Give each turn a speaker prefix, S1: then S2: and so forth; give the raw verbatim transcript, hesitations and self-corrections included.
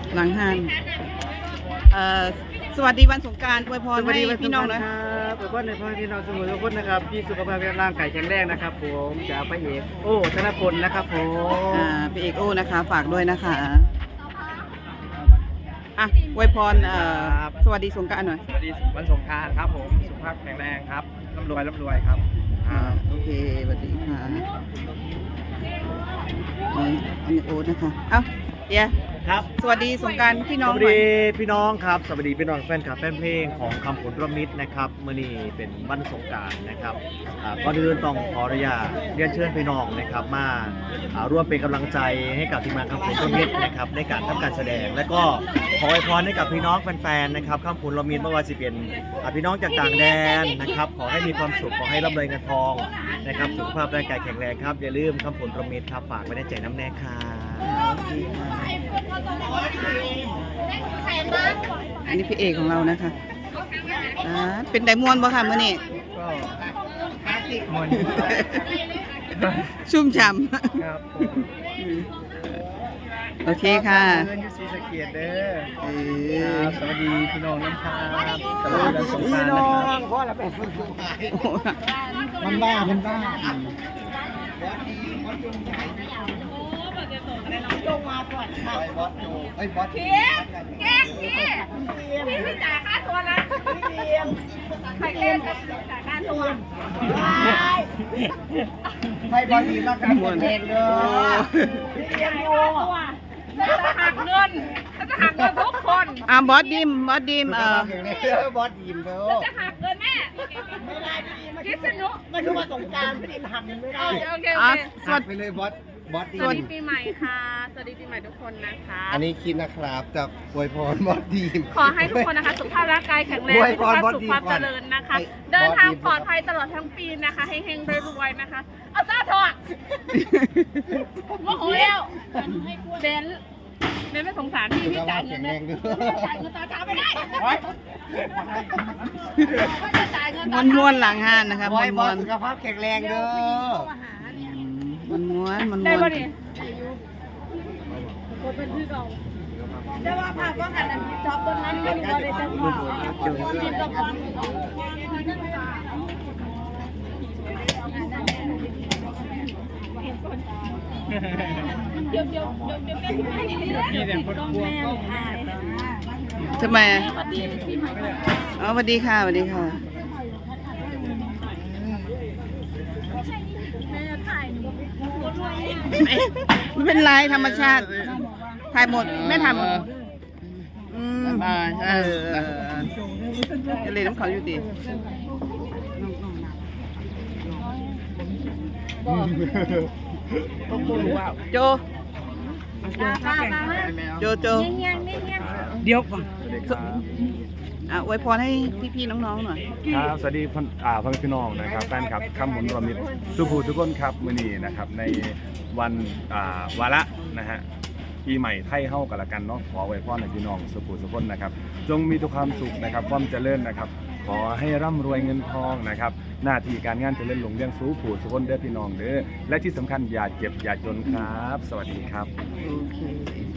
S1: หลังห้านเอ่อสวัสดีวันสงกรานต์อวยพรให้พี่น้องนะครับ
S2: อวยพรให้พ่อพี่น้องสมุทรทุกคนนะครับพี่สุขภาพร่างกายแข็งแรงนะครับผมจากพระเอกโอ้ธนพลนะครับผม
S1: อ่าพี่เอกโอนะคะฝากด้วยนะคะอ่ะอวยพรเอ่อสวัสดีสงกรานต์หน่อย
S2: สวัสดีวันสงกรานต์ครับผมสุขภาพแข็งแรงครับร่ำรวยร่ำรวยครับ
S1: อ่าโอเคสวัสดีค่ะอันนี้โอ๊ตนะคะเอ้าเดี๋ยว
S2: ครับ
S1: สวัสดีสงกรานต์พี่น้อง
S2: สวัสดีพี่น้องครับสวัสดีพี่น้องแฟนคลับแฟนเพลงของคำผลรวมมิตรนะครับเมื่อนี้เป็นวันสงกรานต์นะครับก่อนอื่นต้องขออนุญาตเรียนเชิญพี่น้องนะครับมาร่วมเป็นกำลังใจให้กับทีมงานคำผลรวมมิตรนะครับในการทำการแสดงและก็ขออวยพรให้กับพี่น้องแฟนๆนะครับคำผลรวมมิตรไม่ว่าจะเป็นพี่น้องจากต่างแดนนะครับขอให้มีความสุขขอให้ร่ำรวยเงินทองนะครับสุขภาพร่างกายแข็งแรงครับอย่าลืมคำผลรวมมิตรครับฝากไว้ในใจน้ำแน่ครับ
S1: อันนี้พี่เอกของเรานะคะอ่าเป็นไดมวนบ่ค่ะมื้อนี้
S2: ก็มวน
S1: ชุ่มฉ่ำ
S2: ครับ
S1: โอเคค่ะ
S2: เพื่อนยูซีสเกียรติเด้อสวัสดีพี่น้องน้ำชาสวัสดีสงกรานต์นะครับพ่อละเป็นมันบ้ามันบ้าจงมาก่อนค่ะไอ้บอสโจไอ้บอสพี่แกล้งพี่พี่พี่จ่ายค่าตัวนะพี่เดียมใครเล่นจ่ายค่าตัวให้บอสดีมากกันหมดเองเลยพี่เดียมโง่จะหักเงินจะหักเงินทุกคน
S1: อ่าบอสดิมบอสดิมเอ
S2: อบอสดีมเถอะ
S3: จะหักเงินแม่
S2: ไม่ได้พี่ดีมา
S3: คิดสนุก
S2: มันคือมาสงการพี่ดีมหักเงินไม่ได้
S3: โอเคโอเค
S2: สวัสดีไปเลยบอสบอสดี
S3: สวัสดีปีใหม่ค่ะสวัสดีปีใหม่ทุกคนนะคะ
S2: อันนี้คิดนะครับจากอวยพรบอสดีม
S3: ขอให้ทุกคนนะคะสุขภาพร่างกายแข็งแรงสุขภาพสุขภาพเจริญนะคะเดินทางปลอดภัยตลอดทั้งปีนะคะเฮงๆรวยๆนะคะเอาซาทอดโมโหแล้วเบนเบนไม่สงสารพี่พี่จ่ายเงินเลยจ่ายเงินตาช้าไม่ได้
S1: ม้วนม้วนหลังห้านนะคะม้วนม้วน
S2: สุขภาพแข็งแรงเด้อ
S1: มันม้วนมันม้วน
S3: ได้ป่ะนี่คนเป็นพี่เราได้ว่าภาพว่ากันจอบต้นนั้นไม่ได้จะพอดินตะพอนเดี๋ยวเดี๋ยวเดี๋ยวเดี๋ยวแม่พี่แม่ก็แม่
S1: ทำไมอ๋อสวัสดีค่ะสวัสดีค่ะไม่เป็นไรธรรมชาติถ่ายหมดไม่ทำอืมเออจะเลยน้ำเขาอยู่ดีโจโจโจเดี๋ยวก่อนอ่ะอวยพรให้พี่ๆน้องๆหน่อย
S4: ครับสวัสดีพ่ออ่าพ่อพี่น้องนะครับแฟนคลับคำหมุนรวมมิตรสุภูทุกคนครับมื้อนี้นะครับในวันอ่าวาระนะฮะปีใหม่ไทยเฮากันละกันเนาะขออวยพรให้พี่น้องสุภูทุกคนนะครับจงมีทุกความสุขนะครับความเจริญนะครับขอให้ร่ำรวยเงินทองนะครับหน้าที่การงานเจริญหลงเลี้ยงสูงผู้ทุกคนเด้อพี่น้องเด้อและที่สำคัญอย่าเจ็บอย่าจนครับสวัสดีครับ
S1: โอเค